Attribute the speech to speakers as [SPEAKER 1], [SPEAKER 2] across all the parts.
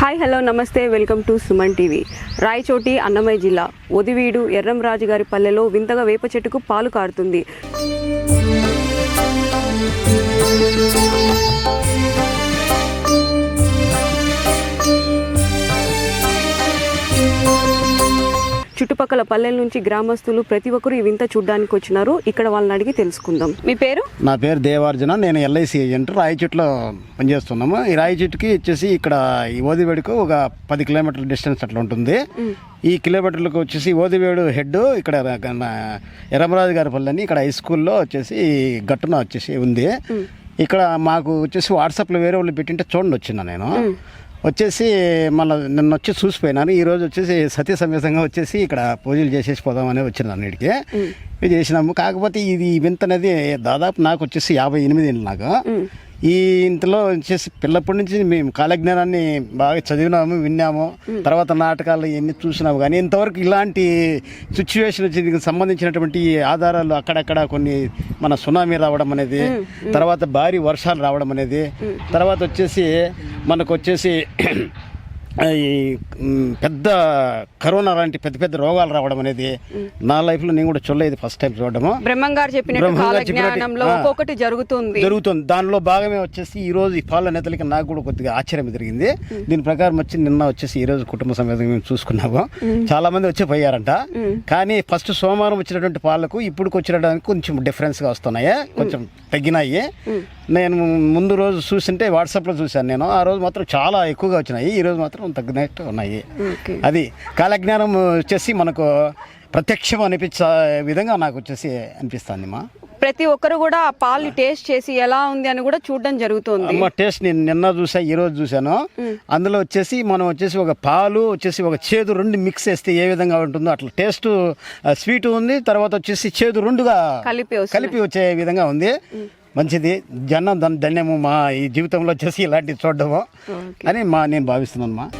[SPEAKER 1] Hi hello నమస్తే welcome to Suman TV. Rayachoti Annamayya జిల్లా ఒదివీడు ఎర్రంరాజు గారి పల్లెలో వింతగా వేప చెట్టుకు పాలు కారుతుంది. చుట్టుపక్కల పల్లెల నుంచి గ్రామస్తులు ప్రతి ఒక్కరు ఈ వింత చూడడానికి వచ్చినారు. ఇక్కడ వాళ్ళని అడిగి తెలుసుకుందాం. మీ పేరు?
[SPEAKER 2] నా పేరు దేవార్జున. నేను ఎల్ఐసి ఏజెంట్ రాయచోట్లో పనిచేస్తున్నాము. ఈ రాయచోటుకి వచ్చేసి ఇక్కడ ఈ ఓదివేడుకు ఒక 10 కిలోమీటర్ల డిస్టెన్స్ అట్లా ఉంటుంది. ఈ కిలోమీటర్లకు వచ్చేసి ఓదివేడు హెడ్ ఇక్కడ ఎర్రంరాజు గారి పల్లెని ఇక్కడ హై స్కూల్లో వచ్చేసి గట్టున వచ్చేసి ఉంది. ఇక్కడ మాకు వచ్చేసి వాట్సాప్లో వేరే వాళ్ళు పెట్టింటే చూడండి వచ్చిన నేను వచ్చేసి మళ్ళీ నిన్న వచ్చి చూసిపోయినాను. ఈరోజు వచ్చేసి సతీ సమేతంగా వచ్చేసి ఇక్కడ పూజలు చేసేసి పోదామని వచ్చినాను. అన్నిటికీ ఇది చేసినాము. కాకపోతే ఇది వింత అనేది దాదాపు నాకు వచ్చేసి 58 ఏళ్ళు నాకు. ఈ ఇంతలో వచ్చేసి పిల్లప్పటి నుంచి మేము కాలజ్ఞానాన్ని బాగా చదివినాము, విన్నాము, తర్వాత నాటకాలు ఇవన్నీ చూసినాము. కానీ ఇంతవరకు ఇలాంటి సిచ్యువేషన్ దీనికి సంబంధించినటువంటి ఆధారాలు అక్కడక్కడ కొన్ని మన సునామీ రావడం అనేది, తర్వాత భారీ వర్షాలు రావడం అనేది, తర్వాత వచ్చేసి మనకు వచ్చేసి ఈ పెద్ద కరోనా లాంటి పెద్ద పెద్ద రోగాలు రావడం అనేది నా లైఫ్లో నేను కూడా చూడలేదు. ఫస్ట్ టైం చూడడము.
[SPEAKER 1] బ్రహ్మంగారు చెప్పినట్టు ఒక్కొక్కటి జరుగుతుంది.
[SPEAKER 2] దానిలో భాగమే వచ్చేసి ఈ రోజు ఈ పాల నేతలకి నాకు కూడా కొద్దిగా ఆశ్చర్యం జరిగింది. దీని ప్రకారం వచ్చి నిన్న వచ్చేసి ఈ రోజు కుటుంబ సమేతంగా మేము చూసుకున్నాము. చాలా మంది వచ్చి పోయారంట. కానీ ఫస్ట్ సోమవారం వచ్చినటువంటి పాలకు ఇప్పుడు వచ్చినడానికి కొంచెం డిఫరెన్స్గా వస్తున్నాయి, కొంచెం తగ్గినాయి. నేను ముందు రోజు చూసింటే వాట్సాప్లో చూశాను నేను. ఆ రోజు మాత్రం చాలా ఎక్కువగా వచ్చినాయి, ఈ రోజు మాత్రం తగ్గినట్టు ఉన్నాయి. అది కాలజ్ఞానం వచ్చేసి మనకు ప్రత్యక్షం అనిపించే విధంగా నాకు వచ్చేసి అనిపిస్తుంది. మా
[SPEAKER 1] ప్రతి ఒక్కరు కూడా ఆ పాలు టేస్ట్ చేసి ఎలా ఉంది అని కూడా చూడడం జరుగుతుంది.
[SPEAKER 2] అమ్మ టేస్ట్ నేను నిన్న చూసా, ఈ రోజు చూశాను. అందులో వచ్చేసి మనం వచ్చేసి ఒక పాలు వచ్చేసి ఒక చేదు రెండు మిక్స్ చేస్తే ఏ విధంగా ఉంటుందో అట్లా టేస్ట్ స్వీట్ ఉంది, తర్వాత వచ్చేసి చేదు రెండుగా కలిపి వచ్చే విధంగా ఉంది. మంచిది, జనం ధన్యము మా ఈ జీవితంలో వచ్చేసి ఇలాంటివి చూడడము అని నేను భావిస్తున్నాను. మా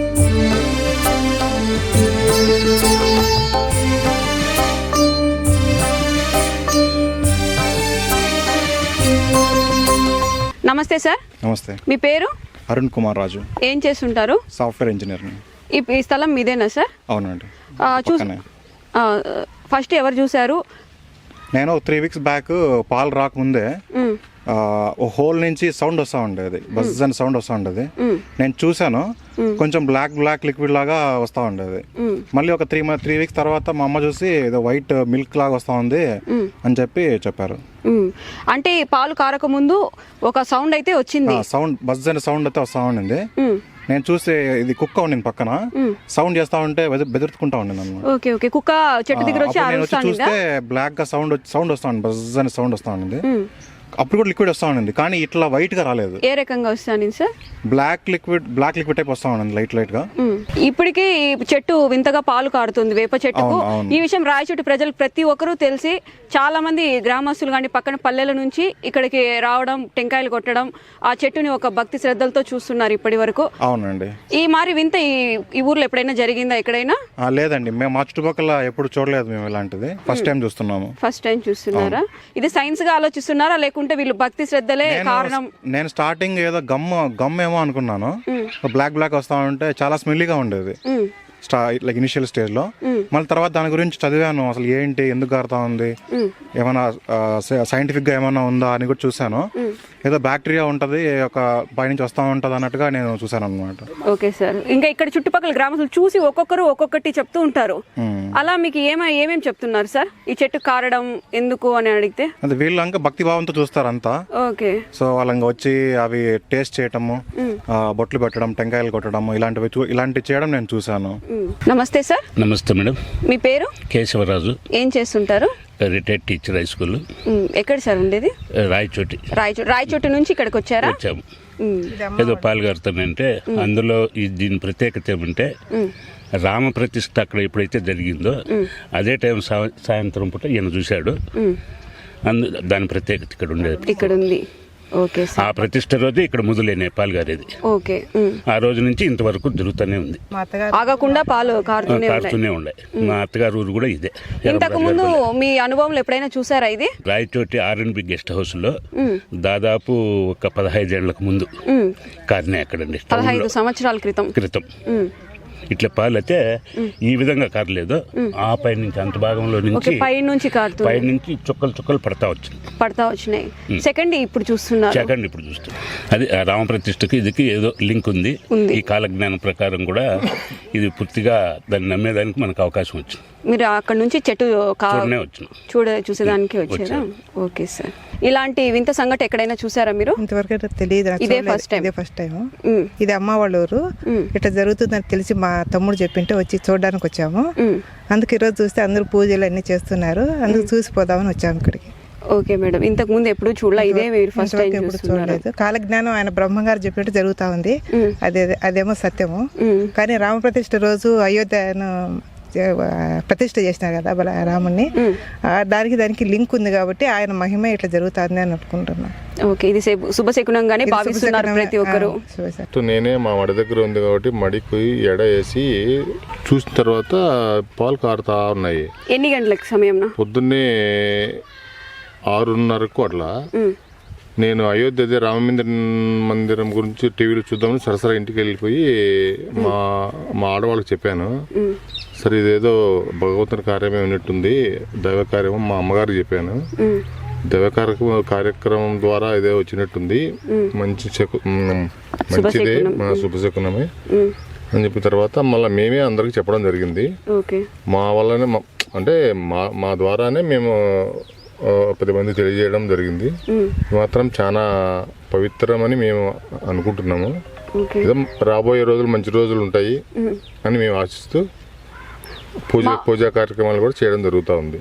[SPEAKER 1] నమస్తే సార్.
[SPEAKER 3] నమస్తే.
[SPEAKER 1] మీ పేరు?
[SPEAKER 3] అరుణ్ కుమార్ రాజు.
[SPEAKER 1] ఏం చేస్తుంటారు?
[SPEAKER 3] Software engineer.
[SPEAKER 1] ఈ స్థలం మీదేనా సార్?
[SPEAKER 3] అవునండి.
[SPEAKER 1] ఫస్ట్ ఎవరు చూసారు?
[SPEAKER 3] నేను 3 వీక్స్ బ్యాక్ పాలు రాకముందే ఓ హోల్ నుంచి సౌండ్ వస్తూ ఉండేది, బజ్ అని సౌండ్ వస్తూ ఉండేది. నేను చూశాను, కొంచెం బ్లాక్ లిక్విడ్ లాగా వస్తూ ఉండేది. మళ్ళీ ఒక 3 వీక్స్ తర్వాత మా అమ్మ చూసి ఏదో వైట్ మిల్క్ లాగా వస్తూ ఉంది అని చెప్పారు.
[SPEAKER 1] అంటే పాలు కారక ముందు ఒక సౌండ్ అయితే వచ్చింది,
[SPEAKER 3] సౌండ్ బజ్ అనే సౌండ్ అయితే వస్తూ ఉండింది. నేను చూసి ఇది కుక్క ఉండింది పక్కన, సౌండ్ చేస్తా ఉంటే బెదురుతుకుంటా ఉండింది అన్నమాట.
[SPEAKER 1] ఓకే కుక్క చెట్టు దగ్గర వచ్చి
[SPEAKER 3] చూస్తే బ్లాక్ గా సౌండ్ వస్తా ఉంది, బజ్ అనే సౌండ్ వస్తా ఉంది. అప్పుడు కూడా లిక్విడ్ వస్తా ఉండింది, కానీ ఇట్లా వైట్ గా రాలేదు.
[SPEAKER 1] ఏ రకంగా వస్తాను సార్?
[SPEAKER 3] బ్లాక్ లిక్విడ్ టైప్ వస్తా ఉండింది, లైట్ గా.
[SPEAKER 1] ఇప్పటికీ చెట్టు వింతగా పాలు కారుతుంది, వేప చెట్టుకు. ఈ విషయం రాయచోటి ప్రజలు ప్రతి ఒక్కరూ తెలిసి చాలా మంది గ్రామస్తులు కానీ పక్కన పల్లెల నుంచి ఇక్కడికి రావడం, టెంకాయలు కొట్టడం, ఆ చెట్టుని ఒక భక్తి శ్రద్ధలతో చూస్తున్నారు ఇప్పటి వరకు.
[SPEAKER 3] అవునండి.
[SPEAKER 1] ఈ మరి వింత ఈ ఊర్లో ఎప్పుడైనా జరిగిందా ఎక్కడైనా?
[SPEAKER 3] లేదండి, మేము మా చుట్టుపక్కల ఎప్పుడు చూడలేదు మేము ఇలాంటిది. ఫస్ట్ టైం చూస్తున్నాము.
[SPEAKER 1] ఫస్ట్ టైం చూస్తున్నారా? ఇది సైన్స్ గా ఆలోచిస్తున్నారా లేకుంటే వీళ్ళు భక్తి శ్రద్ధలే కారణం?
[SPEAKER 3] నేను స్టార్టింగ్ ఏదో గమ్ ఏమో అనుకున్నాను. బ్లాక్ వస్తా ఉంటే చాలా స్మెల్లీగా ఉండేది లైక్ ఇనిషియల్ స్టేజ్ లో. మళ్ళీ తర్వాత దాని గురించి చదివాను, అసలు ఏంటి, ఎందుకు కారుతా ఉంది, ఏమైనా సైంటిఫిక్ గా ఏమైనా ఉందా అని కూడా చూసాను. ఏదో బ్యాక్టీరియా ఉంటది, ఒక పైనుంచి వస్తా ఉంటది అన్నట్టుగా నేను చూసాను అనమాట.
[SPEAKER 1] Okay sir. ఇంకా ఇక్కడ చుట్టుపక్కల గ్రామస్తులు చూసి ఒక్కొక్కరు ఒక్కొక్కటి చెప్తూ ఉంటారు. అలా మీకు ఏమేమి చెప్తున్నారు సార్ ఈ చెట్టు కారడం ఎందుకు అని అడిగితే?
[SPEAKER 3] అది వీళ్ళు ఇంకా భక్తి భావంతో చూస్తారు అంతా.
[SPEAKER 1] ఓకే.
[SPEAKER 3] సో వాళ్ళంగా వచ్చి అవి టేస్ట్ చేయటము, బొట్లు పెట్టడం, టెంకాయలు కొట్టడం, ఇలాంటివి చేయడం నేను చూసాను.
[SPEAKER 1] నమస్తే సార్.
[SPEAKER 4] నమస్తే మేడం.
[SPEAKER 1] మీ పేరు?
[SPEAKER 4] కేశవరాజు.
[SPEAKER 1] ఏం చేస్తుంటారు?
[SPEAKER 4] Retired teacher, high school.
[SPEAKER 1] ఎక్కడ సార్ ఉండేది?
[SPEAKER 4] రాయచోటి.
[SPEAKER 1] రాయచోటి నుంచి ఇక్కడికి వచ్చారా?
[SPEAKER 4] వచ్చాము. ఏదో పాల్గొడతానంటే అందులో దీని ప్రత్యేకత ఏమంటే రామప్రతిష్ఠ అక్కడ ఎప్పుడైతే జరిగిందో అదే టైం సాయంత్రం పూట ఈయన చూశాడు. దాని ప్రత్యేకత ఇక్కడ ఉండేది.
[SPEAKER 1] ఇక్కడ ఉంది. ఓకే
[SPEAKER 4] ఆ ప్రతిష్ట రోజు ఇక్కడ మొదలైన పాలు గారేది.
[SPEAKER 1] ఓకే.
[SPEAKER 4] ఆ రోజు నుంచి ఇంతవరకు జరుగుతూనే ఉంది,
[SPEAKER 1] ఆగకుండా పాలు కారుతూనే
[SPEAKER 4] కారుతూనే ఉండే. మా అత్తగారు ఊరు కూడా ఇదే.
[SPEAKER 1] ఇంతకు ముందు మీ అనుభవంలో ఎప్పుడైనా చూసారా ఇది?
[SPEAKER 4] రాయచోటి R&B గెస్ట్ హౌస్ లో దాదాపు ఒక 15 ఏళ్లకు ముందు కారినే అక్కడండి,
[SPEAKER 1] 15 సంవత్సరాల క్రితం.
[SPEAKER 4] ఇట్లా పాలు అయితే ఈ విధంగా కారలేదు. ఆ పై నుంచి అంత భాగంలో నుంచి
[SPEAKER 1] పై నుంచి
[SPEAKER 4] పై నుంచి చుక్కలు పడతా
[SPEAKER 1] వచ్చినాయి. సెకండ్ ఇప్పుడు చూస్తున్నారు.
[SPEAKER 4] అది ఆ రామప్రతిష్ఠకి ఇదికి ఏదో లింక్ ఉంది. ఈ కాలజ్ఞానం ప్రకారం కూడా ఇది పూర్తిగా దాన్ని నమ్మేదానికి మనకు అవకాశం వచ్చింది.
[SPEAKER 1] మీరు అక్కడ నుంచి చెట్టు చూసేదానికి వచ్చారా? Okay sir. ఇలాంటి వింత సంఘటన ఎక్కడైనా చూసారా మీరు?
[SPEAKER 5] ఇంతవరకు తెలియదు.
[SPEAKER 1] ఇదే ఫస్ట్ టైం.
[SPEAKER 5] ఇది అమ్మ వాళ్ళ ఊరు. ఇట్లా జరుగుతుందని తెలిసి మా తమ్ముడు చెప్పింటే వచ్చి చూడడానికి వచ్చాము. అందుకు ఈరోజు చూస్తే అందరూ పూజలు అన్ని చేస్తున్నారు, అందుకు చూసిపోదామని వచ్చాము ఇక్కడికి.
[SPEAKER 1] Okay madam. ఇంతకు ముందు ఎప్పుడు చూడలే, ఇదే మీరు ఫస్ట్ టైం
[SPEAKER 5] చూడలేదు. కాలజ్ఞానం ఆయన బ్రహ్మంగారు చెప్పినట్టు జరుగుతా ఉంది. అదేమో సత్యము. కానీ రామప్రతిష్ఠ రోజు అయోధ్యను ప్రతిష్ఠ చేసినారు కదా రాముని, దానికి లింక్ ఉంది కాబట్టి ఆయన మహిమ ఇట్లా జరుగుతుంది అని అనుకుంటున్నాను.
[SPEAKER 1] ఓకే. ఇది శుభశకునంగానే భావిస్తున్నారు ప్రతి ఒక్కరు.
[SPEAKER 6] నేనే మా మడి దగ్గర ఉంది కాబట్టి మడికి ఎడ వేసి చూసిన తర్వాత పాలు కారుతా ఉన్నాయి.
[SPEAKER 1] ఎన్ని గంటలకు సమయం?
[SPEAKER 6] పొద్దున్నే 6:30కు అట్లా. నేను అయోధ్య రామ మందిరం గురించి టీవీలో చూద్దామని సరసరా ఇంటికి వెళ్ళిపోయి మా ఆడవాళ్ళకి చెప్పాను. సరే ఇదేదో భగవంతుని కార్యమే ఉన్నట్టుంది, దైవ కార్యమో మా అమ్మగారికి చెప్పాను. దైవ కార్యక్రమం ద్వారా ఇదే వచ్చినట్టుంది, మంచిదే, మన శుభశకునమే అని చెప్పిన తర్వాత మళ్ళీ మేమే అందరికి చెప్పడం జరిగింది. మా వల్లనే అంటే మా ద్వారానే మేము 10 మంది తెలియజేయడం జరిగింది. మాత్రం చాలా పవిత్రమని మేము అనుకుంటున్నాము. రాబోయే రోజులు మంచి రోజులు ఉంటాయి అని మేము ఆశిస్తూ పూజా కార్యక్రమాలు కూడా చేయడం జరుగుతూ ఉంది.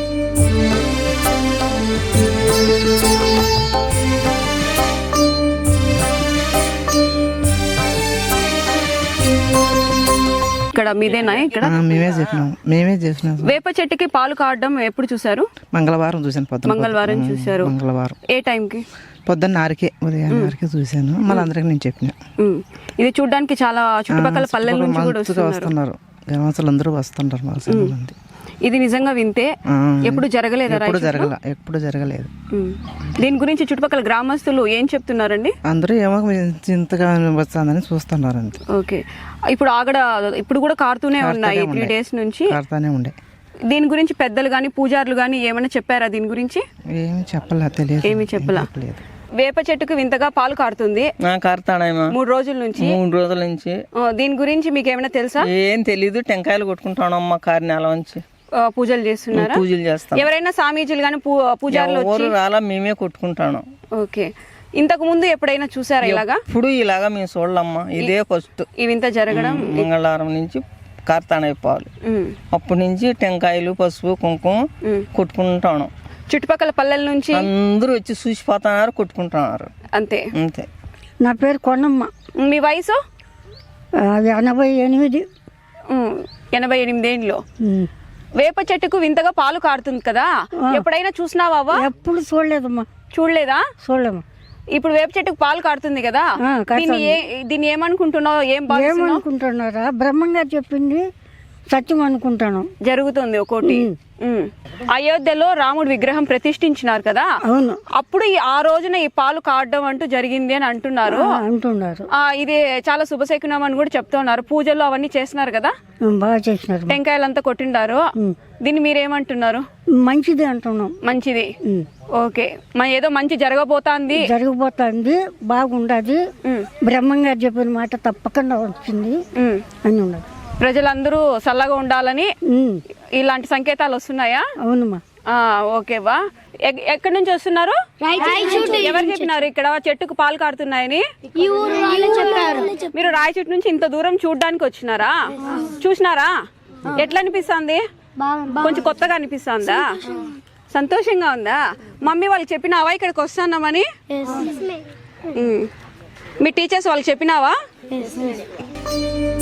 [SPEAKER 1] ఇక్కడ మీదేనా? ఇక్కడ
[SPEAKER 5] మేమే చేసినాం.
[SPEAKER 1] వేప చెట్టుకి పాలు కావడం ఎప్పుడు చూసారు?
[SPEAKER 5] మంగళవారం చూసాను.
[SPEAKER 1] మంగళవారం చూసారు. ఏ టైంకి?
[SPEAKER 5] పొద్దున్న 6కి, ఉదయం 6కి చూసాను. మళ్ళీ అందరికి నేను చెప్పిన.
[SPEAKER 1] ఇది చూడడానికి చాలా చుట్టుపక్కల పల్లెల నుంచి కూడా వస్తున్నారు.
[SPEAKER 5] గ్రామస్తులు అందరూ వస్తుంటారు మంది.
[SPEAKER 1] ఇది నిజంగా వింతే. ఎప్పుడు జరగలేదు?
[SPEAKER 5] ఎప్పుడు జరగలేదు.
[SPEAKER 1] దీని గురించి చుట్టుపక్కల గ్రామస్తులు ఏం చెప్తున్నారండి?
[SPEAKER 5] అందరూ ఏమో ఇంతగా వస్తుందని చూస్తున్నారు అంతే.
[SPEAKER 1] ఓకే. ఇప్పుడు కూడా కారుతూనే ఉన్నాయి 3 days నుంచి.
[SPEAKER 5] కారుతూనే ఉండే.
[SPEAKER 1] దీని గురించి పెద్దలు గాని పూజారులు గాని ఏమైనా చెప్పారా దీని గురించి?
[SPEAKER 5] ఏమి చెప్పలే, తెలియదు.
[SPEAKER 1] ఏమి చెప్పలా. వేప చెట్టుకు వింతగా పాలు కారుతుంది. 3 రోజుల నుంచి. దీని గురించి మీకు ఏమైనా తెలుసా?
[SPEAKER 7] ఏం తెలీదు. టెంకాయలు కొట్టుకుంటానమ్మా కారి నెల నుంచి.
[SPEAKER 1] పూజలు చేస్తున్నారా?
[SPEAKER 7] పూజలు చేస్తాం.
[SPEAKER 1] ఎవరైనా స్వామీజీలు గాని పూజారులు
[SPEAKER 7] రాలా, మేమే కొట్టుకుంటాను.
[SPEAKER 1] ఓకే. ఇంతకు ముందు ఎప్పుడైనా చూసారా ఇలాగా?
[SPEAKER 7] ఇప్పుడు ఇలాగా మేము చూడలమ్మా, ఇదే ఫస్ట్
[SPEAKER 1] ఈ వింత జరగడం.
[SPEAKER 7] మంగళవారం నుంచి కార్తానయ్య పాలు, అప్పటి నుంచి టెంకాయలు పసుపు కుంకుమ కొట్టుకుంటాను.
[SPEAKER 1] చుట్టుపక్కల పల్లెల నుంచి
[SPEAKER 7] అందరూ వచ్చి చూసిపోతున్నారు, కొట్టుకుంటున్నారు.
[SPEAKER 1] అంతే.
[SPEAKER 8] నా పేరు కొండమ్మ.
[SPEAKER 1] మీ వయసు?
[SPEAKER 8] 88.
[SPEAKER 1] 88 ఏండ్లు. వేప చెట్టుకు వింతగా పాలు కారుతుంది కదా, ఎప్పుడైనా చూసినావా?
[SPEAKER 8] ఎప్పుడు చూడలేదమ్మా.
[SPEAKER 1] చూడలేదా?
[SPEAKER 8] చూడలేము.
[SPEAKER 1] ఇప్పుడు వేప చెట్టుకు పాలు కారుతుంది కదా, దీన్ని ఏమనుకుంటున్నావు?
[SPEAKER 8] ఏమనుకుంటున్నారా? బ్రహ్మంగారు చెప్పింది సత్యం అనుకుంటాను.
[SPEAKER 1] జరుగుతుంది ఒకటి. అయోధ్యలో రాముడు విగ్రహం ప్రతిష్ఠించినారు కదా,
[SPEAKER 8] అవును.
[SPEAKER 1] అప్పుడు ఆ రోజున ఈ పాలు కారడం అంటూ జరిగింది అని అంటున్నారు. ఇది చాలా శుభశకునం అని కూడా చెప్తున్నారు. పూజలు అవన్నీ చేస్తున్నారు కదా,
[SPEAKER 8] బాగా చేసినారు.
[SPEAKER 1] టెంకాయలంతా కొట్టిండారు. దీన్ని మీరేమంటున్నారు?
[SPEAKER 8] మంచిది అంటున్నాం.
[SPEAKER 1] మంచిది. ఓకే. ఏదో మంచి జరగబోతాంది
[SPEAKER 8] బాగుండదు. బ్రహ్మంగారు చెప్పిన మాట తప్పకుండా వచ్చింది అని ఉండదు.
[SPEAKER 1] ప్రజలందరూ చల్లగా ఉండాలని ఇలాంటి సంకేతాలు వస్తున్నాయా?
[SPEAKER 8] అవునమ్మా.
[SPEAKER 1] ఓకే బా. ఎక్కడి నుంచి వస్తున్నారు? ఎవరు చెప్పినారు ఇక్కడ చెట్టుకు పాలు కారుతున్నాయని? మీరు రాయచోటి నుంచి ఇంత దూరం చూడడానికి వచ్చినారా? చూసినారా? ఎట్లా అనిపిస్తుంది? కొంచెం కొత్తగా అనిపిస్తుందా? సంతోషంగా ఉందా? మమ్మీ వాళ్ళు చెప్పినావా ఇక్కడికి వస్తున్నామని? మీ టీచర్స్ వాళ్ళు చెప్పినావా?